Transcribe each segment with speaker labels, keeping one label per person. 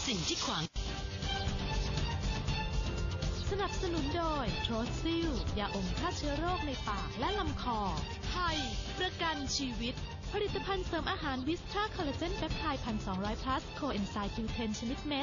Speaker 1: สิ่งที่ขวาง
Speaker 2: สนับสนุนโดยโทรซิลยาอมฆ่าเชื้อโรคในปากและลำคอไทยประกันชีวิตผลิตภัณฑ์เสริมอาหารวิสตราคอลลาเจนเปปไทด์1,200 plus โคเอนไซม์ Q10 ชนิดเม็ด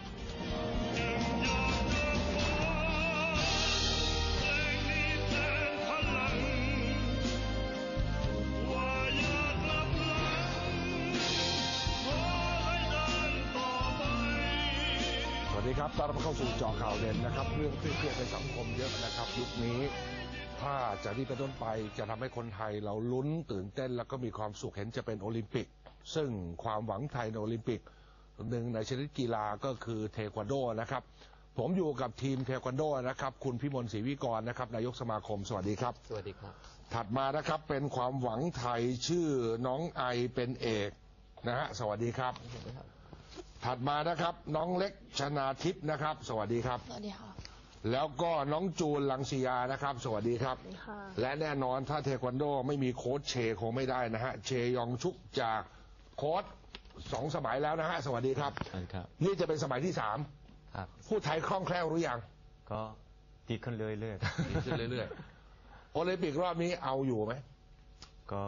Speaker 3: สวัสดีครับต้อนรับเข้าสู่เจาะข่าวเด่นนะครับเรื่องเครียดในสังคมเยอะนะครับยุคนี้ถ้าจากนี้เป็นต้นไปจะทำให้คนไทยเราลุ้นตื่นเต้นแล้วก็มีความสุขเห็นจะเป็นโอลิมปิกซึ่งความหวังไทยในโอลิมปิกหนึ่งในชนิดกีฬาก็คือเทควันโดนะครับผมอยู่กับทีมเทควันโดนะครับคุณพิมลศรีวิกรนะครับนายกสมาคมสวัสดีครับ
Speaker 4: สวัสดีครับ
Speaker 3: ถัดมานะครับเป็นความหวังไทยชื่อน้องไอเป็นเอกนะฮะสวัสดีครับถัดมานะครับน้องเล็กชนาทิพย์นะครับสวัสดีครับ
Speaker 5: สวัสดีค่ะ
Speaker 3: แล้วก็น้องจูนลังสียานะครับสวัสดีครับและแน่นอนถ้าเทควันโดไม่มีโค้ชเชคงไม่ได้นะฮะเชยองชุกจากโค้ช2 สมัยแล้วนะฮะสวัสดีครับนี่จะเป็นสมัยที่3ครับพูดไทยคล่องแคล่วหรือยัง
Speaker 4: ก็ดีขึ้นเรื่อย
Speaker 3: ๆดีขึ้นเรื่อยๆโอลิมปิกรอบนี้เอาอยู่ไหม
Speaker 4: ก็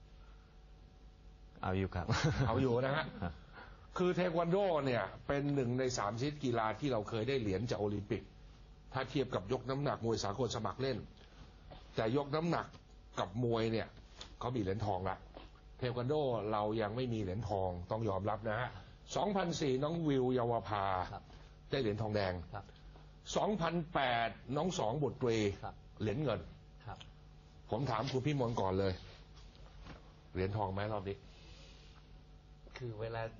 Speaker 4: เอาอยู่ครับ
Speaker 3: เอาอยู่นะฮะคือเทควันโดเนี่ยเป็น1 ใน 3ชนิดกีฬาที่เราเคยได้เหรียญจากโอลิมปิกถ้าเทียบกับยกน้ำหนักมวยสากลสมัครเล่นแต่ยกน้ำหนักกับมวยเนี่ยเขามีเหรียญทองละเทควันโดเรายังไม่มีเหรียญทองต้องยอมรับนะฮะ2004น้องวิวเยาวภาได้เหรียญทองแดง2008น้อง2บุตรีเหรียญเงินผมถามคุณพี่มนก่อนเลยเหรียญทองไหมรอบนี้
Speaker 6: คือเวลา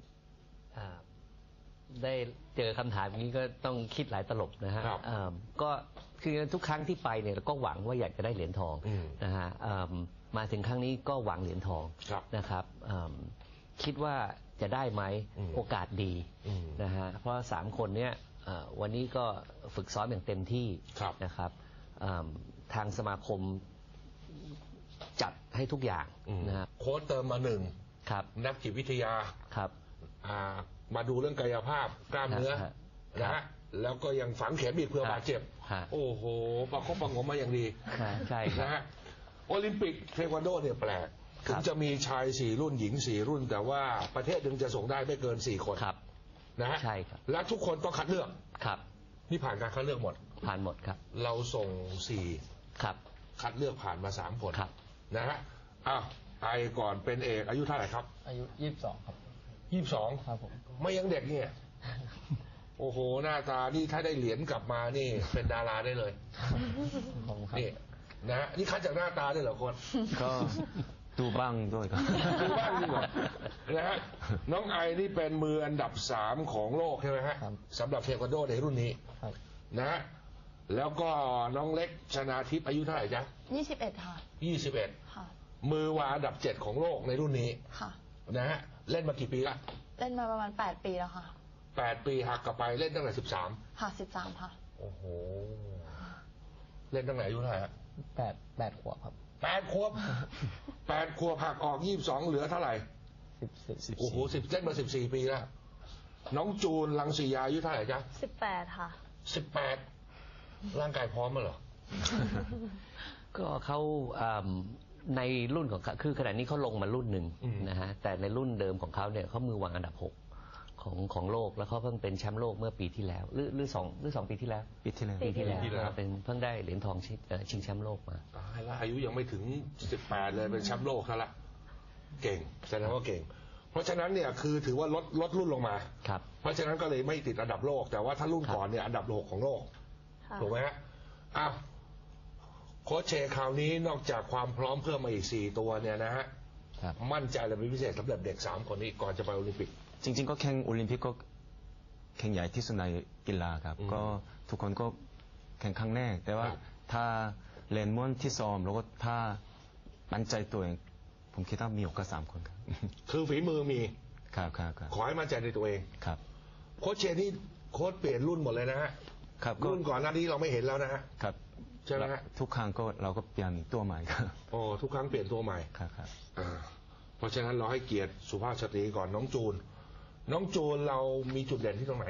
Speaker 6: ได้เจอคำถามอย่างนี้ก็ต้องคิดหลายตลบนะฮะก็คือทุกครั้งที่ไปเนี่ยเราก็หวังว่าอยากจะได้เหรียญทองนะฮะมาถึงครั้งนี้ก็หวังเหรียญทองนะครับคิดว่าจะได้ไหมโอกาสดีนะฮะเพราะ3 คนเนี้ยวันนี้ก็ฝึกซ้อมอย่างเต็มที่นะครับทางสมาคมจัดให้ทุกอย่างนะฮะ
Speaker 3: โค้ชเติมมา1ครับนักจิตวิทยา
Speaker 6: ครับ
Speaker 3: มาดูเรื่องกายภาพกล้ามเนื้อนะฮะแล้วก็ยังฝังเข็มอีกเพื่อบาดเจ็บโอ้โหประคบประงมมาอย่างดี
Speaker 6: ใช่
Speaker 3: นะฮะโอลิมปิกเทควันโดเนี่ยแปลกถึงจะมีชาย4 รุ่นหญิง4 รุ่นแต่ว่าประเทศหนึ่งจะส่งได้ไม่เกิน4 คนนะฮะ
Speaker 6: ใช่ครับ
Speaker 3: และทุกคนต้องคัดเลือก
Speaker 6: ครับ
Speaker 3: นี่ผ่านการคัดเลือกหมด
Speaker 6: ผ่านหมดครับ
Speaker 3: เราส่ง4ครับคัดเลือกผ่านมา3 คนนะฮะไอก่อนเป็นเอกอายุเท่าไหร่ครับ
Speaker 5: อายุ22ครับ
Speaker 3: 22
Speaker 5: ครับผม
Speaker 3: ไม่ยังเด็กเนี่ยโอ้โหหน้าตานี่ถ้าได้เหรียญกลับมานี่เป็นดาราได้เลยนี่นะนี่คัดจากหน้าตาได้เหรอคน
Speaker 4: ก็ดูบ้างด้วยครับ
Speaker 3: ดูบ้างดีกว่านะฮะน้องไอนี่เป็นมืออันดับ3ของโลกใช่ไหมฮะสำหรับเทควันโดในรุ่นนี้นะฮะแล้วก็น้องเล็กชนาทิพย์อายุเท่าไหร่จ๊ะ
Speaker 5: 21ค่ะ
Speaker 3: 21ค่ะมือวางอันดับ7ของโลกในรุ่นนี้
Speaker 5: ค่ะ
Speaker 3: นะฮะเล่นมากี่ปีละ
Speaker 5: เล่นมาประมาณ8 ปีแล้วค่ะ
Speaker 3: 8 ปีหักกลับไปเล่นตั้งแต่13
Speaker 5: ค่ะ13ค่ะ
Speaker 3: โอ้โหเล่นตั้งแต่อายุเท่าไหร่ฮะ
Speaker 5: 8 ขวบครับ
Speaker 3: 8 ขวบ8 ขวบหักออก22เหลือเท่าไหร่
Speaker 5: 14
Speaker 3: โอ้โหเล่นมา14 ปีแล้วน้องจูนลังสียาอายุเท่าไหร่จ๊ะ
Speaker 5: 18ค่ะ
Speaker 3: 18ร่างกายพร้อมมั้ยเหรอ
Speaker 6: ก็เขาในรุ่นของเขาคือขณะนี้เขาลงมารุ่นหนึ่งนะฮะแต่ในรุ่นเดิมของเขาเนี่ยเขามือวางอันดับ6ของโลกแล้วเขาเพิ่งเป็นแชมป์โลกเมื่อปีที่แล้วหรือ2 ปีที่แล้ว
Speaker 4: ปีที่
Speaker 6: แล้วเป็นเพิ่งได้เหรียญทองชิงแชมป์โลกมา
Speaker 3: ตายละอายุยังไม่ถึง18เลยเป็นแชมป์โลกซะละเก่งแสดงว่าเก่งเพราะฉะนั้นเนี่ยคือถือว่าลดรุ่นลงมา
Speaker 6: ครับ
Speaker 3: เพราะฉะนั้นก็เลยไม่ติดอันดับโลกแต่ว่าถ้ารุ่นก่อนเนี่ยอันดับ6ของโลกถูกไหมฮะโค้ชเชคราวนี้นอกจากความพร้อมเพิ่มมาอีก4 ตัวเนี่ยนะฮะมั่นใจอะไรเป็นพิเศษสำหรับเด็ก3 คนนี้ก่อนจะไปโอลิมปิก
Speaker 4: จริงๆก็แข่งโอลิมปิกก็แข่งใหญ่ที่สุดในกีฬาครับก็ทุกคนก็แข่งครั้งแรกแต่ว่าถ้าเล่นม้วนที่ซ้อมแล้วก็ถ้ามั่นใจตัวเองผมคิดว่ามีโอกาส3 คนครับ
Speaker 3: คือฝีมือมี
Speaker 4: ครับ
Speaker 3: ขอให้มั่นใจในตัวเอง
Speaker 4: ครับ
Speaker 3: โค้ชเชนี่โค้ชเปลี่ยนรุ่นหมดเลยนะฮะรุ่นก่อนหน้านี้เราไม่เห็นแล้วนะฮะ
Speaker 4: ครับ
Speaker 3: ใช่ไหมฮะ
Speaker 4: ทุกครั้งก็เราก็เปลี่ยนตัวใหม่ครับ
Speaker 3: โอ้ทุกครั้งเปลี่ยนตัวใหม่
Speaker 4: ครับ
Speaker 3: เพราะฉะนั้นเราให้เกียรติสุภาพสตรีก่อนน้องจูนน้องจูนเรามีจุดเด่นที่ตรงไหน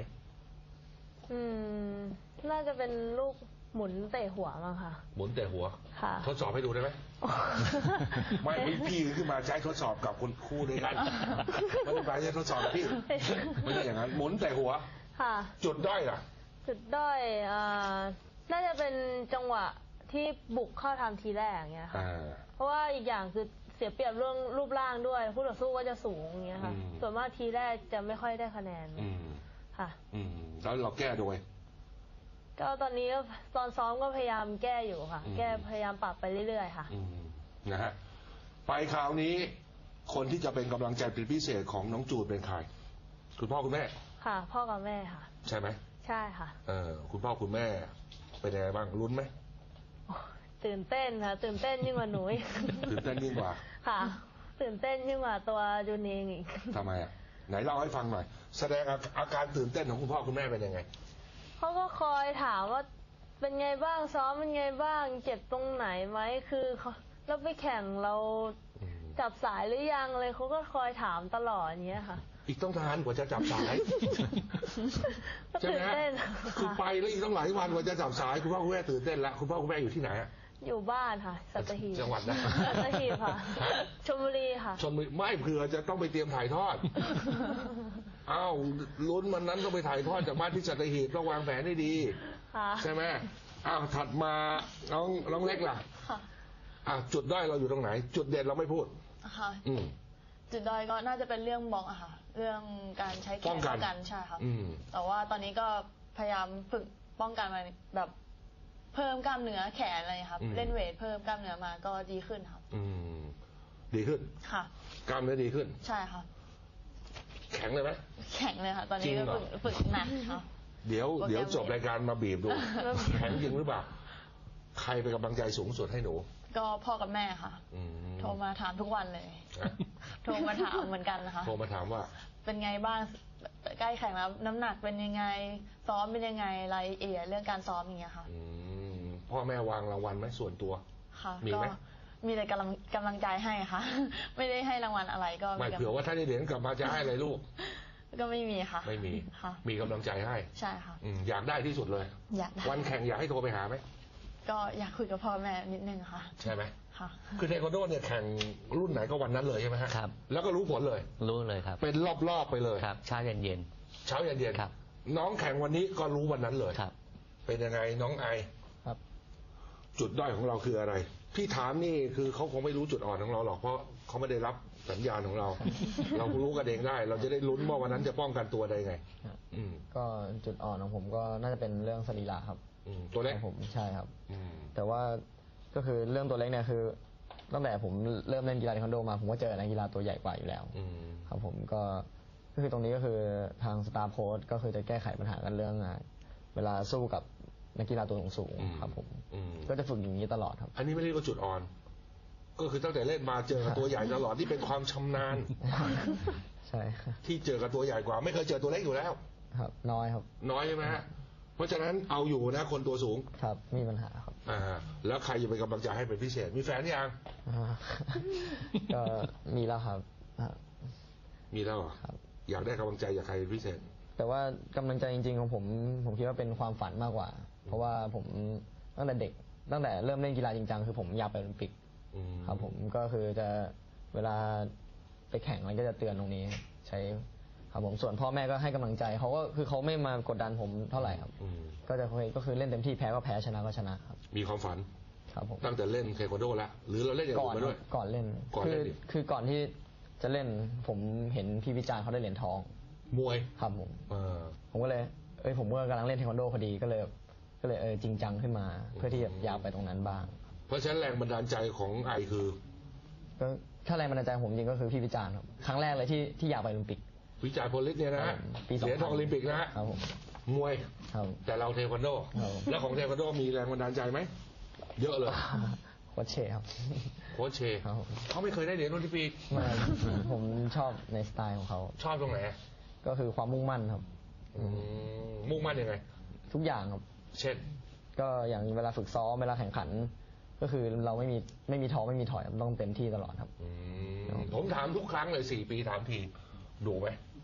Speaker 1: น่าจะเป็นลูกหมุนเตะหัวมั้งค่ะ
Speaker 3: หมุนแต่หัว
Speaker 1: ค่ะ
Speaker 3: ทดสอบให้ดูได้ไหม ไม่พี่ขึ้นมาใช้ทดสอบกับคุณครูด้วยกันไม่ได้ไปใช้ทดสอบกับพี่ไม่ใช่อย่างนั้นหมุนแต่หัว
Speaker 1: ค่ะ
Speaker 3: จุดด้อยล่ะ
Speaker 1: จุดด้อยน่าจะเป็นจังหวะที่บุกเข้าทำทีแรกอย่างเงี้ยค่ะ เพราะว่าอีกอย่างคือเสียเปรียบเรื่องรูปร่างด้วยคู่ต่อสู้ก็จะสูงอย่างเงี้ยค่ะส่วนมากทีแรกจะไม่ค่อยได้คะแนนค่ะ
Speaker 3: แล้วเราแก้โดย
Speaker 1: ก็ตอนนี้ก็ตอนซ้อมก็พยายามแก้อยู่ค่ะ แก้พยายามปรับไปเรื่อยๆค่ะ
Speaker 3: นะฮะไปคราวนี้คนที่จะเป็นกำลังใจเป็นพิเศษของน้องจูนเป็นใครคุณพ่อคุณแม่
Speaker 1: ค่ะ พ่อกับแม่ค่ะ
Speaker 3: ใช่ไหม
Speaker 1: ใช่ค่ะ
Speaker 3: คุณพ่อคุณแม่เป็นยังไงบ้างลุ้นไหม
Speaker 1: ตื่นเต้นค่ะตื่นเต้นยิ่งกว่าหนู
Speaker 3: ตื่นเต้นยิ่งกว่า
Speaker 1: ค่ะ ตื่นเต้นยิ่งกว่าตัวจูนเองอีก
Speaker 3: ทำไมอ่ะไหนเล่าให้ฟังหน่อยแสดงอาการตื่นเต้นของคุณพ่อคุณแม่เป็นยังไง
Speaker 1: เขาก็คอยถามว่าเป็นไงบ้างซ้อมเป็นไงบ้างเจ็บตรงไหนไหมคือเราไปแข่งเราจับสายหรือยังเลยเขาก็คอยถามตลอดอย่างเงี้ยค่ะ
Speaker 3: อีกต้องนานกว่าจะจับสายใช่ไหมคือไปแล้วอีกต้องหลายวันกว่าจะจับสายคุณพ่อคุณแม่ตื่นเต้นแล้วคุณพ่อคุณแม่อยู่ที่ไหน
Speaker 1: อยู่บ้านค่ะสัตหีบ
Speaker 3: จังหวัดนะ
Speaker 1: สัตหีบค่ะชลบุรีค่ะ
Speaker 3: ชลบุรีไม่เผื่อจะต้องไปเตรียมถ่ายทอดอ้าวลุ้นมันนั้นต้องไปถ่ายทอดจากบ้านที่สัตหีบต้องวางแผนให้ดีใช่ไหมอ้าวถัดมาน้องเล็กล่ะจุดด้อยเราอยู่ตรงไหนจุดเด่นเราไม่พูด
Speaker 5: ค่ะจุดด้อยก็น่าจะเป็นเรื่องบล็อกอะค่ะเรื่องการใช้แขนป้องกันใช่ค่ะแต่ว่าตอนนี้ก็พยายามฝึกป้องกันมาแบบเพิ่มกล้ามเนื้อแขนอะไรครับเล่นเวทเพิ่มกล้ามเนื้อมาก็ดีขึ้นครับ
Speaker 3: ดีขึ้น
Speaker 5: ค่ะ
Speaker 3: กล้ามเนื้อดีขึ้น
Speaker 5: ใช่ค่ะ
Speaker 3: แข็งเลยไหม
Speaker 5: แข็งเลยค่ะตอนนี้ก็ฝึกหนักค่ะ
Speaker 3: เดี๋ยวจบรายการมาบีบดูแข็งจริงหรือเปล่าใครเป็นกำลังใจสูงสุดให้หนู
Speaker 5: ก็พ่อกับแม่ค่ะโทรมาถามทุกวันเลยโทรมาถามเหมือนกันนะคะ
Speaker 3: โทรมาถามว่า
Speaker 5: เป็นไงบ้างใกล้แข่งแล้วน้ำหนักเป็นยังไงซ้อมเป็นยังไงรายละเอียดเรื่องการซ้อมอย่างเงี้ยค่ะ
Speaker 3: พ่อแม่วางรางวัลไหมส่วนตัว
Speaker 5: ค่ะมีไหมมีแต่กำลังใจให้ค่ะไม่ได้ให้รางวัลอะไรก็
Speaker 3: ไม่เผื่อว่าถ้าได้เหรียญกลับมาจะให้อะไรลูก
Speaker 5: ก็ไม่มีค่ะ
Speaker 3: ไม่มีค่ะมีกำลังใจให้
Speaker 5: ใช่ค่ะ
Speaker 3: อยากได้ที่สุดเลย
Speaker 5: อยากได้
Speaker 3: วันแข่งอยากให้โทรไปหาไหม
Speaker 5: ก็อยากคุยกับพ่อแม่นิดนึงค่ะ
Speaker 3: ใช่ไหม
Speaker 5: ค่ะ
Speaker 3: คือเทควันโดเนี่ยแข่งรุ่นไหนก็วันนั้นเลยใช่ไหมฮะ
Speaker 6: ครับ
Speaker 3: แล้วก็รู้ผลเลย
Speaker 6: รู้เลยครับ
Speaker 3: เป็นรอบๆไปเลย
Speaker 6: ครับเช้าเย็น
Speaker 3: เช้าเย็น
Speaker 6: ครับ
Speaker 3: น้องแข่งวันนี้ก็รู้วันนั้นเลย
Speaker 6: ครับ
Speaker 3: เป็นยังไงน้องไอ
Speaker 5: ครับ
Speaker 3: จุดด้อยของเราคืออะไรพี่ถามนี่คือเขาคงไม่รู้จุดอ่อนของเราหรอกเพราะเขาไม่ได้รับสัญญาณของเรา เรารู้กันเองได้ เราจะได้ลุ้นว่าวันนั้นจะป้องกันตัวได้ไง
Speaker 5: ก็จุดอ่อนของผมก็น่าจะเป็นเรื่องสรีระครับ
Speaker 3: ตัวเล็ก
Speaker 5: ผมใช่ครับแต่ว่าก็คือเรื่องตัวเล็กเนี่ยคือตั้งแต่ผมเริ่มเล่นกีฬาเทควันโดมาผมก็เจอนักกีฬาตัวใหญ่กว่าอยู่แล้วครับผมก็คือตรงนี้ก็คือทางสตาร์โค้ชก็คือจะแก้ไขปัญหากันเรื่องเวลาสู้กับนักกีฬาตัวสูงครับผมก็จะฝึกอย่างนี้ตลอดครับ
Speaker 3: อันนี้ไม่เรียกว่าจุดอ่อนก็คือตั้งแต่เล่นมาเจอกับตัวใหญ่ตลอดที่เป็นความชำนาญ
Speaker 5: ใช่
Speaker 3: ที่เจอกับตัวใหญ่กว่าไม่เคยเจอตัวเล็กอยู่แล้ว
Speaker 5: ครับน้อยครับ
Speaker 3: น้อยใช่ไหมฮะเพราะฉะนั้นเอาอยู่นะคนตัวสูง
Speaker 5: ครับมีปัญหาครับ
Speaker 3: แล้วใครจะเป็นกำลังใจให้เป็นพิเศษมีแฟนยัง
Speaker 5: ก็มีแล้วครับ
Speaker 3: มีแล้วครับอยากได้กำลังใจจากใครเป็นพิเศษ
Speaker 5: แต่ว่ากำลังใจจริงๆของผมคิดว่าเป็นความฝันมากกว่าเพราะว่าผมตั้งแต่เด็กตั้งแต่เริ่มเล่นกีฬาจริงจังคือผมอยากไปโอลิมปิกครับผมก็คือจะเวลาไปแข่งมันก็จะเตือนตรงนี้ใช้ครับผมส่วนพ่อแม่ก็ให้กำลังใจเขาก็คือเขาไม่มากดดันผมเท่าไหร่ครับก็คือเล่นเต็มที่แพ้ก็แพ้ชนะก็ชนะครับ
Speaker 3: มีความฝัน
Speaker 5: ครับผม
Speaker 3: ตั้งแต่เล่นเทควันโดแล้วหรือเราเล่นอย่างอื่นมาด้วย
Speaker 5: ก่อนเล่นคือก่อนที่จะเล่นผมเห็นพี่วิจารณ์เขาได้เหรียญทอง
Speaker 3: มวย
Speaker 5: ครับผมก็เลยผมก็กำลังเล่นเทควันโดพอดีก็เลยจริงจังขึ้นมาเพื่อที่จะอยากไปตรงนั้นบ้าง
Speaker 3: เพราะฉะนั้นแรงบันดาลใจของไอคือ
Speaker 5: ก็ถ้าแรงบันดาลใจผมจริงก็คือพี่วิจารณ์ครับครั้งแรกเลยที่อยากไปโอลิมปิก
Speaker 3: วิจารณ์โพลิสเนี่ยนะเหรียญทองโอลิมปิกนะฮะมวยแต่เราเทควันโดแล้วของเทควันโดมีแรงบันดาลใจไหมเยอะเลย
Speaker 5: โค้ชเชครับ
Speaker 3: โค้ชเชเขาไม่เคยได้เหรียญโอลิมปิก
Speaker 5: ผมชอบในสไตล์ของเขา
Speaker 3: ชอบตรงไหน
Speaker 5: ก็คือความมุ่งมั่นครับ
Speaker 3: มุ่งมั่นยังไง
Speaker 5: ทุกอย่างครับ
Speaker 3: เช่น
Speaker 5: ก็อย่างเวลาฝึกซ้อมเวลาแข่งขันก็คือเราไม่มีท้อไม่มีถอยต้องเต็มที่ตลอดครับ
Speaker 3: ผมถามทุกครั้งเลย4 ปีถามทีดูไหม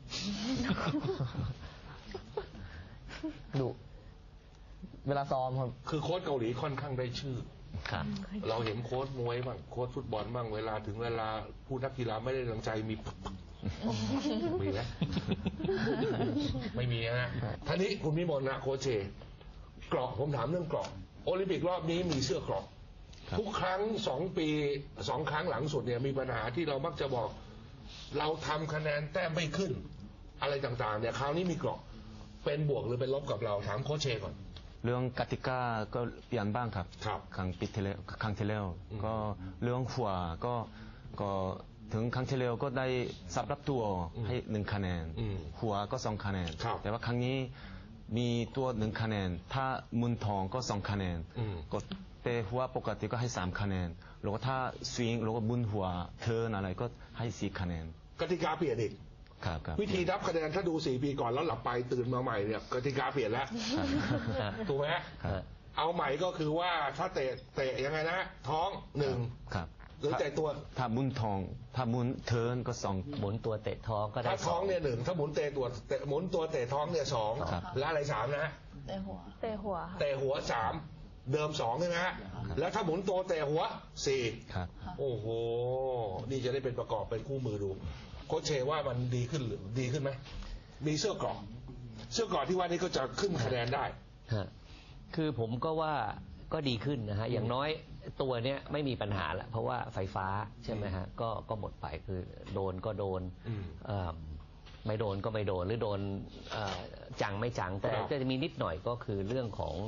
Speaker 5: ดุเวลาซ้อมครับ
Speaker 3: คือโค้ชเกาหลีค่อนข้างได้ชื่อ
Speaker 6: ครับ
Speaker 3: เราเห็นโค้ชมวยบ้างโค้ชฟุตบอลบ้างเวลาถึงเวลาผู้นักกีฬาไม่ได้ดังใจมีมีไหม ไม่มีนะท่านี้คุณวิมลนะโค้ชเชเกราะผมถามเรื่องเกราะโอลิมปิกรอบนี้มีเสื้อเกราะทุกครั้ง2 ปี2 ครั้งหลังสุดเนี่ยมีปัญหาที่เรามักจะบอกเราทำคะแนนแต้มไม่ขึ้น อะไรต่างๆเนี่ยคราวนี้มีเกราะเป็นบวกหรือเป็นลบกับเราถามโค้ชเชก่อน
Speaker 4: เรื่องกติกาก็เปลี่ยนบ้างครับ
Speaker 3: ครับ
Speaker 4: ครั้งที่แล้วก็เรื่องหัวก็ถึงครั้งที่แล้วก็ได้สับรับตัวให้1 คะแนนหัวก็2 คะแนนแต่ว่าครั้งนี้มีตัว1 คะแนนถ้ามุนทองก็2 คะแนนก็แต่หัวปกติก็ให้3 คะแนนแล้วก็ถ้าสวิงแล้วก็บุนหัวเทิร์นอะไรก็ให้4 คะแนน
Speaker 3: กติกาเปลี่ยนอีกวิธีนับคะแนนถ้าดู4 ปีก่อนแล้วหลับไปตื่นมาใหม่เนี่ยกติกาเปลี่ยนแล้วถูกไหมเอาใหม่ก็คือว่าถ้าเตะยังไงนะท้อง1
Speaker 4: ครับ
Speaker 3: หรือเตะตัว
Speaker 4: ถ้ามุนทองถ้ามุนเทิร์นก็2
Speaker 6: หมุนตัวเตะท้องก็ได้
Speaker 3: ถ้าท้องเนี่ย1ถ้าหมุนเตะตัวหมุนตัวเตะท้องเนี่ย2แล้วอะไร3นะ
Speaker 1: เตะหัวเตะ
Speaker 3: หัว3เดิม2ใช่ไหมฮะแล้วถ้าหมุนตัวเตะหัว4
Speaker 4: ครับ
Speaker 3: โอ้โหนี่จะได้เป็นประกอบเป็นคู่มือดูโค้ชเชว่ามันดีขึ้นหรือดีขึ้นไหมมีเสื้อเกราะที่ว่านี้ก็จะขึ้นคะแนนได้
Speaker 6: คือผมก็ว่าก็ดีขึ้นนะฮะอย่างน้อยตัวเนี้ยไม่มีปัญหาละเพราะว่าไฟฟ้าใช่ไหมฮะก็หมดไปคือโดนก็โดนไม่โดนก็ไม่โดนหรือโดนจังไม่จังแต่จะมีนิดหน่อยก็คือเรื่องของ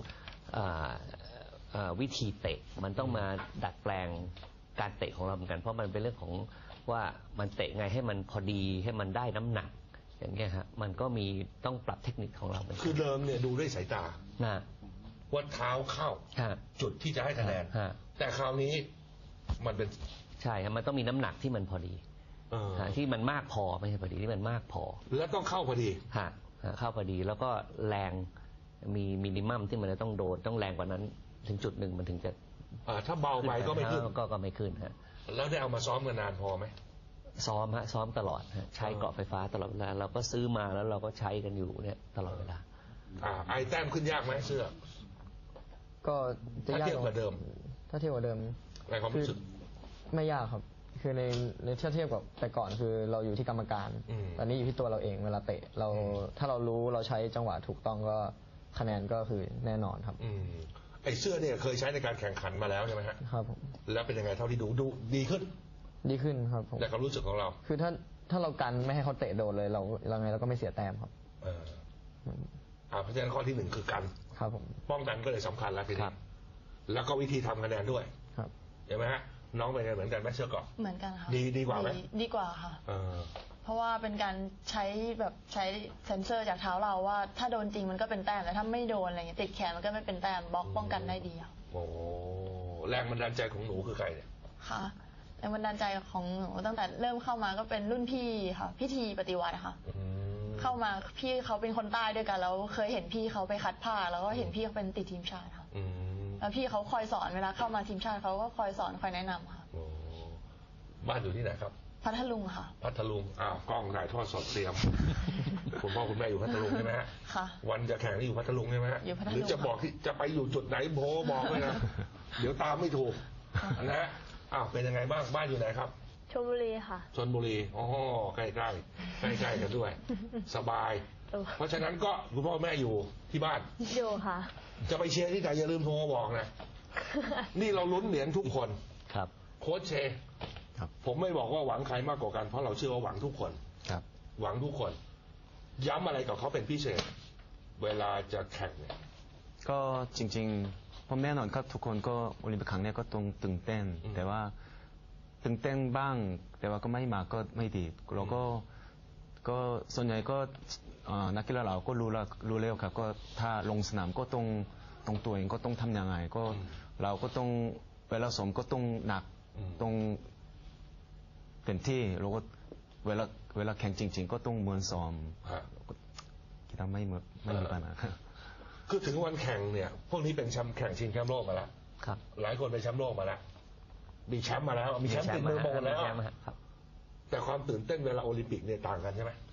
Speaker 6: วิธีเตะมันต้องมาดัดแปลงการเตะของเราเหมือนกันเพราะมันเป็นเรื่องของว่ามันเตะไงให้มันพอดีให้มันได้น้ำหนักอย่างเงี้ยฮะมันก็มีต้องปรับเทคนิคของเรา
Speaker 3: คือเดิมเนี่ยดูด้วยสายตาว่าเท้าเข้าจุดที่จะให้คะแนนแต่คราวนี้มันเป็น
Speaker 6: ใช่ครับมันต้องมีน้ำหนักที่มันพอดีที่มันมากพอไม่ใช่พอดีที่มันมากพอ
Speaker 3: แล้วต้องเข้าพอดี
Speaker 6: เข้าพอดีแล้วก็แรงมีมินิมัมที่มันจะต้องโดนต้องแรงกว่านั้นถึงจุดหนึ่งมันถึงจะ
Speaker 3: ถ้าเบาไปก็ไม่ขึ้น
Speaker 6: ก็ไม่ขึ้นฮะ
Speaker 3: แล้วได้เอามาซ้อมกันนานพอไหม
Speaker 6: ซ้อมตลอดฮะใช้เกราะไฟฟ้าตลอดเวลาเราก็ซื้อมาแล้วเราก็ใช้กันอยู่เนี่ยตลอดเวลา
Speaker 3: ไอแต้มขึ้นยากไหมเสื้อ
Speaker 5: ก็จะยาก
Speaker 3: เทียบกับเดิม
Speaker 5: ถ้าเทียบกับเดิม
Speaker 3: ในความรู้สึก
Speaker 5: ไม่ยากครับคือในเทียบกับแต่ก่อนคือเราอยู่ที่กรรมการตอนนี้อยู่ที่ตัวเราเองเวลาเตะเราถ้าเรารู้เราใช้จังหวะถูกต้องก็คะแนนก็คือแน่นอนครับ
Speaker 3: ไอเสื้อเนี่ยเคยใช้ในการแข่งขันมาแล้วใช่ไหมฮะ
Speaker 5: ครับผม
Speaker 3: แล้วเป็นยังไงเท่าที่ดูดีขึ้น
Speaker 5: ครับผม
Speaker 3: ในความรู้สึกของเรา
Speaker 5: คือถ้าเรากันไม่ให้เขาเตะโดนเลยเราไงเราก็ไม่เสียแต้มครับ
Speaker 3: เพราะฉะนั้นข้อที่1คือกัน
Speaker 5: ครับผม
Speaker 3: ป้องกันก็เลยสำคัญแล้วทีนี้แล้วก็วิธีทำคะแนนด้วย
Speaker 5: ครับ
Speaker 3: เห็นไหมฮะน้องเป็นไงเหมือนกันไหมเสื้อเกราะ
Speaker 1: เหมือนกันค่ะ
Speaker 3: ดีกว่าไหม
Speaker 1: ดีกว่าค่ะเพราะว่าเป็นการใช้เซนเซอร์จากเท้าเราว่าถ้าโดนจริงมันก็เป็นแต้มแต่ถ้าไม่โดนอะไรเงี้ยติดแขนมันก็ไม่เป็นแต้มบล็อกป้องกันได้ดีค่ะ
Speaker 3: โอ้แรงบันดาลใจของหนูคือใครเนี่ย
Speaker 1: ค่ะแรงบันดาลใจของหนูตั้งแต่เริ่มเข้ามาก็เป็นรุ่นพี่ค่ะพิธีปฏิวัติค่ะเข้ามาพี่เขาเป็นคนใต้ด้วยกันแล้วเคยเห็นพี่เขาไปคัดผ้าแล้วก็เห็นพี่เขาเป็นติดทีมชาติค่ะแล้วพี่เขาคอยสอนเวลาเข้ามาทีมชาติเขาก็คอยสอนคอยแนะนำค่ะ
Speaker 3: บ้านอยู่ที่ไหนครับ
Speaker 1: พัทลุงค่ะ
Speaker 3: พัทลุงกล้องถ่ายทอดสดเตรียมคุณพ่อคุณแม่อยู่พัทลุงใช่ไหมฮะ
Speaker 1: ค่ะ
Speaker 3: วันจะแข่งที่อยู่พัทลุงใช่ไหมฮะหรือจะบอกที่จะไปอยู่จุดไหนโบบอกเลยนะเดี๋ยวตามไม่ถูกนะเป็นยังไงบ้างบ้านอยู่ไหนครับ
Speaker 1: ชลบุรีค่ะ
Speaker 3: ชลบุรีใกล้กันด้วยสบายเพราะฉะนั้นก็คุณพ่อแม่อยู่ที่บ้าน
Speaker 1: อยู่ค่ะ
Speaker 3: จะไปเชียร์ที่ไหนอย่าลืมโทรมาบอกนะนี่เราลุ้นเหรียญทุกคน
Speaker 6: ครับ
Speaker 3: โค้ชเชผมไม่บอกว่าหวังใครมากกว่ากันเพราะเราเชื่อว่าหวังทุกคน
Speaker 4: ครับ
Speaker 3: หวังทุกคนย้ำอะไรกับเขาเป็นพิเศษเวลาจะแข่งเนี่ย
Speaker 4: ก็จริงๆผมแน่นอนครับทุกคนก็โอลิมปิกครั้งนี้ก็ต้องตื่นเต้นแต่ว่าตื่นเต้นบ้างแต่ว่าก็ไม่มากก็ไม่ดีเราก็ส่วนใหญ่ก็นักกีฬาเราก็รู้แล้วครับก็ถ้าลงสนามก็ต้องตัวเองก็ต้องทำยังไงก็เราก็ต้องเวลาซ้อมก็ต้องหนักต้องเต็มที่แล้วก็เวลาแข่งจริงๆก็ต้องเหมือนซ้อมคิดว่าไม่มีปัญหา
Speaker 3: คือถึงวันแข่งเนี่ยพวกนี้เป็นแชมป์แข่งชิงแชมป์โลกมาแล้วหลายคนเป็นแชมป์โลกมาแล้วมีแชมป์มาแล้วมีแชมป์ติดมือมาแล้วแต่ความตื่นเต้นเวลาโอลิมปิกเนี่ยต่างกันใช่ไหม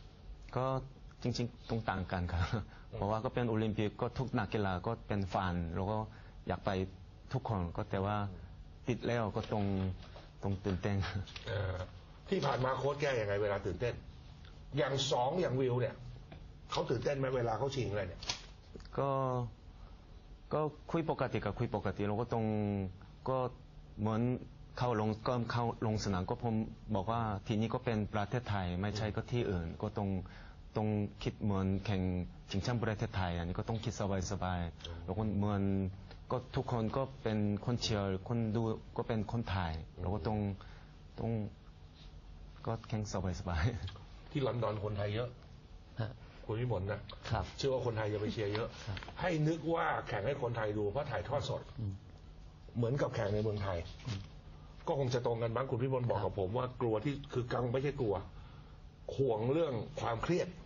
Speaker 4: ก็จริงๆตรงต่างกันครับเพราะว่าก็เป็นโอลิมปิกก็ทุกนักกีฬาก็เป็นฝันแล้วก็อยากไปทุกคนก็แต่ว่าติดแล้วก็ตรงตื่นเต้น
Speaker 3: ที่ผ่านมาโค้ชแก้ยังไงเวลาตื่นเต้นอย่างอย่างวิวเนี่ยเขาตื่นเต้นไหมเวลาเขาชิงอะไรเนี่ย
Speaker 4: ก็คุยปกติกับคุยปกติเราก็ก็เหมือนเข้าลงสนามก็ผมบอกว่าทีนี้ก็เป็นประเทศไทยไม่ใช่ก็ที่อื่นก็ต้องคิดเหมือนแข่งชิงแชมป์ประเทศไทยอันนี้ก็ต้องคิดสบายๆแล้วก็เหมือนก็ทุกคนก็เป็นคนเชียร์คนดูก็เป็นคนไทยเราก็ต้องก็แข่งสบาย
Speaker 3: ๆที่ลอนดอนคนไทยเยอะคุณวิมลนะครับเชื่อว่าคนไทยจะไปเชียร์เยอะให้นึกว่าแข่งให้คนไทยดูเพราะถ่ายทอดสดเหมือนกับแข่งในเมืองไทยก็คงจะตรงกันบ้างคุณวิมลบอกกับผมว่ากลัวที่คือกังไม่ใช่กลัวห่วงเรื่องความเครียด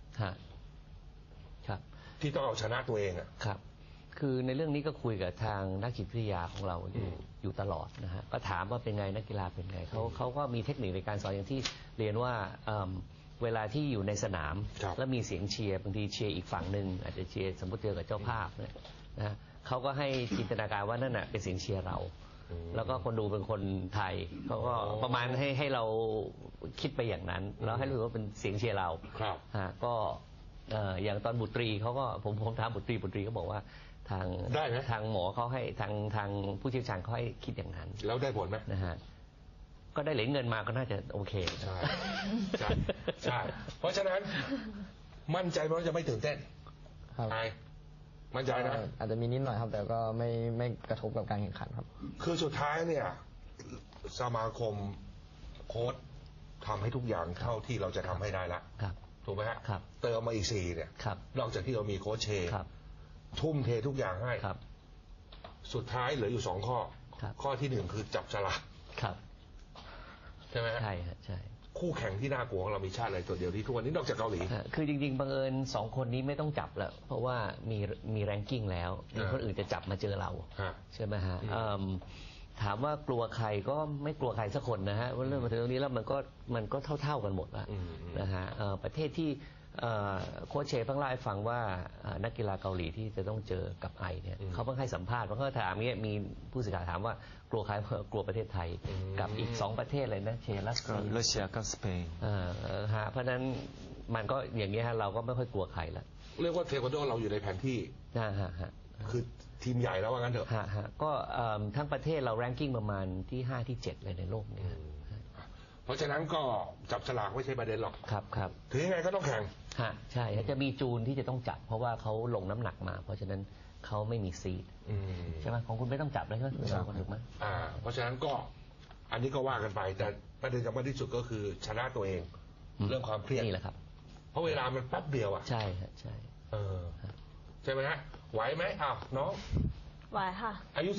Speaker 6: ครับ
Speaker 3: ที่ต้องเอาชนะตัวเอง
Speaker 6: ครับคือในเรื่องนี้ก็คุยกับทางนักจิตวิทยาของเราอยู่ตลอดนะฮะก็ถามว่าเป็นไงนักกีฬาเป็นไงเขาก็มีเทคนิคในการสอนอย่างที่เรียนว่าเวลาที่อยู่ในสนามแล้วมีเสียงเชียร์บางทีเชียร์อีกฝั่งหนึ่งอาจจะเชียร์สมมติเจอกับเจ้าภาพเนี่ยนะเขาก็ให้จินตนาการว่านั่นน่ะเป็นเสียงเชียร์เราแล้วก็คนดูเป็นคนไทยเขาก็ประมาณให้เราคิดไปอย่างนั้นแล้วให้รู้ว่าเป็นเสียงเชียร์เราก็อย่างตอนบุตรีเขาก็ผมถามบุตรีก็บอกว่าทางหมอเขาให้ทางผู้เชี่ยวชาญเขาให้คิดอย่างนั้น
Speaker 3: แล้วได้ผลไหม
Speaker 6: นะฮะก็ได้เหรียญเงินมาก็น่าจะโอเค
Speaker 3: ใช่เพราะฉะนั้นมั่นใจว่าจะไม่ตื่นเต้นมั่นใจนะ
Speaker 5: อาจจะมีนิดหน่อยครับแต่ก็ไม่กระทบกับการแข่งขันครับ
Speaker 3: คือสุดท้ายเนี่ยสมาคมโค้ชทำให้ทุกอย่างเท่าที่เราจะทำให้ได้ละถูกไหมฮะเติมมาอีก4เนี่ยนอกจากที่เรามีโค้ชเชทุ่มเททุกอย่างให้สุดท้ายเหลืออยู่2ข้อที่1คือจับฉลากใช่ไหม
Speaker 6: ใช่ใช่
Speaker 3: คู่แข่งที่น่ากลัวของเรามีชาติอะไรตัวเดียวที่ทุกวันนี้นอกจากเกาหลี
Speaker 6: คือจริงๆบังเอิญ2คนนี้ไม่ต้องจับแล้วเพราะว่ามีแรงกิ้งแล้วมีคนอื่นจะจับมาเจอเราใช่ไหมฮะถามว่ากลัวใครก็ไม่กลัวใครสักคนนะฮะว่าเรื่องมาถึงตรงนี้แล้วมันก็เท่ากันหมดแล้วนะฮะประเทศที่โค้ชเชเพิ่งเล่าให้ฟังว่านักกีฬาเกาหลีที่จะต้องเจอกับไอเนี่ยเขาเพิ่งให้สัมภาษณ์เพราะเขาถามเงี้ยมีผู้สื่อข่าวถามว่ากลัวใครกลัวประเทศไทยกับอีก2ประเทศเลยนะรัส
Speaker 4: เซียกับสเปน
Speaker 6: เพราะนั้นมันก็อย่างนี้ฮะเราก็ไม่ค่อยกลัวใครละ
Speaker 3: เรียกว่าเทควันโดเราอยู่ในแผนที่คือทีมใหญ่แล้วว่างั้นเถอะ
Speaker 6: ก็ทั้งประเทศเราแรงกิ้งประมาณที่5ที่7เลยในโลกนี้
Speaker 3: เพราะฉะนั้นก็จับฉลากไม่ใช่ประเด็นหรอก
Speaker 6: ครับ
Speaker 3: ถึงยังไงก็ต้องแข่ง
Speaker 6: ใช่จะมีจูนที่จะต้องจับเพราะว่าเขาลงน้ำหนักมาเพราะฉะนั้นเขาไม่มีซีดใช่ไหมของคุณไม่ต้องจับเลยใช่ไหมถูกไหม
Speaker 3: เพราะฉะนั้นก็อันนี้ก็ว่ากันไปแต่ประเด็นสำคัญที่สุดก็คือชนะตัวเองเรื่องความเครียด
Speaker 6: นี่แหละครับ
Speaker 3: เพราะเวลามันแป๊บเดียว
Speaker 6: ใช่ใช่
Speaker 3: ใช่ไหมฮะไหวไหมน้อง
Speaker 1: ไหวค่ะ
Speaker 3: อายุ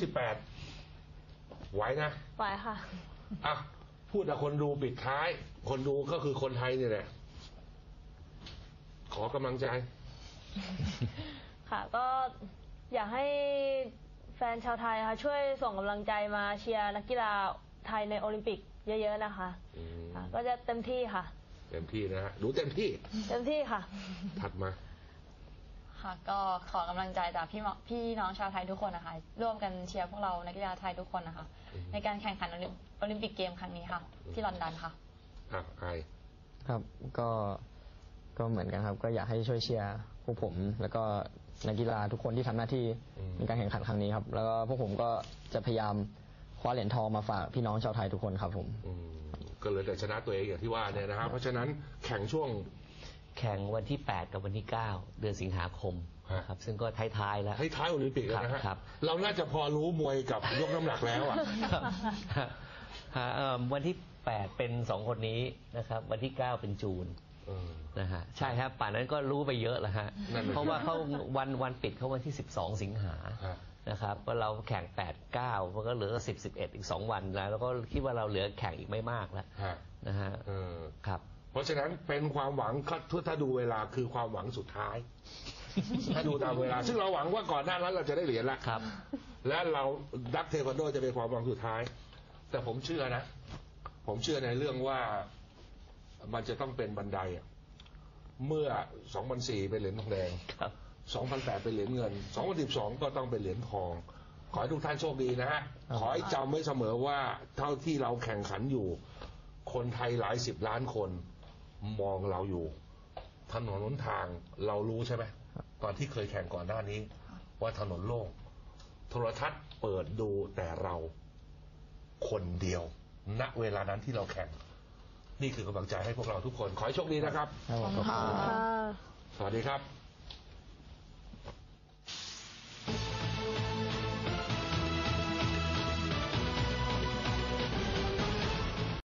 Speaker 3: 18ไหวนะ
Speaker 1: ไหวค่ะ
Speaker 3: พูดกับคนดูปิดท้ายคนดูก็คือคนไทยนี่แหละขอกำลังใจ
Speaker 1: ค่ะก็อยากให้แฟนชาวไทยค่ะช่วยส่งกำลังใจมาเชียร์นักกีฬาไทยในโอลิมปิกเยอะๆนะคะก็จะเต็มที่ค่ะ
Speaker 3: เต็มที่นะฮะดูเต็มที่
Speaker 1: ค่ะ
Speaker 3: ถัดมา
Speaker 7: ค่ะก็ขอกำลังใจจากพี่น้องชาวไทยทุกคนนะคะร่วมกันเชียร์พวกเรานักกีฬาไทยทุกคนนะคะในการแข่งขันโอลิมปิกเกมครั้งนี้ค่ะที่ลอนดอนค่ะ
Speaker 5: ครับก็เหมือนกันครับก็อยากให้ช่วยเชียร์พวกผมแล้วก็นักกีฬาทุกคนที่ทำหน้าที่ในการแข่งขันครั้งนี้ครับแล้วก็พวกผมก็จะพยายามคว้าเหรียญทองมาฝากพี่น้องชาวไทยทุกคนครับผม
Speaker 3: ก็เลยแต่ชนะตัวเองอย่างที่ว่าเนี่ยนะครับเพราะฉะนั้นแข่ง
Speaker 6: วันที่8กับวันที่9เดือนสิงหาคมครับซึ่งก็ท้ายๆแล้ว
Speaker 3: ท้ายโอลิมปิกแล้วนะฮะเราน่าจะพอรู้มวยกับยกน้ำหนักแล้ว
Speaker 6: วันที่8เป็น2คนนี้นะครับวันที่9เป็นจูนนะฮะใช่ครับป่านนั้นก็รู้ไปเยอะแล้วฮะเพราะว่าเขาวันปิดเขาวันที่12สิงหานะครับก็เราแข่ง8-9มันก็เหลือ10-11อีก2วันแล้วก็คิดว่าเราเหลือแข่งอีกไม่มากแล้วนะฮะครับ
Speaker 3: เพราะฉะนั้นเป็นความหวังถ้าดูเวลาคือความหวังสุดท้ายถ้าดูตามเวลาซึ่งเราหวังว่าก่อนหน้านั้นเราจะได้เหรียญแล้วและเราดักเทควันโดจะเป็นความหวังสุดท้ายแต่ผมเชื่อนะผมเชื่อในเรื่องว่ามันจะต้องเป็นบันไดเมื่อ 2004 เป็นเหรียญทองแดง 2008 เป็นเหรียญเงิน 2012 ก็ต้องเป็นเหรียญทอง ขอให้ทุกท่านโชคดีนะฮะ ขอให้จำไว้เสมอว่าเท่าที่เราแข่งขันอยู่ คนไทยหลายสิบล้านคนมองเราอยู่ ถนนหนทางเรารู้ใช่ไหมตอนที่เคยแข่งก่อนหน้านี้ ว่าถนนโล่งโทรทัศน์เปิดดูแต่เราคนเดียว ณเวลานั้นที่เราแข่ง นี่คือกำลังใจให้พวกเราทุกคน ขอให้โชคดีนะครับ
Speaker 1: ขอบคุณค่ะ
Speaker 3: สวัสดีครับ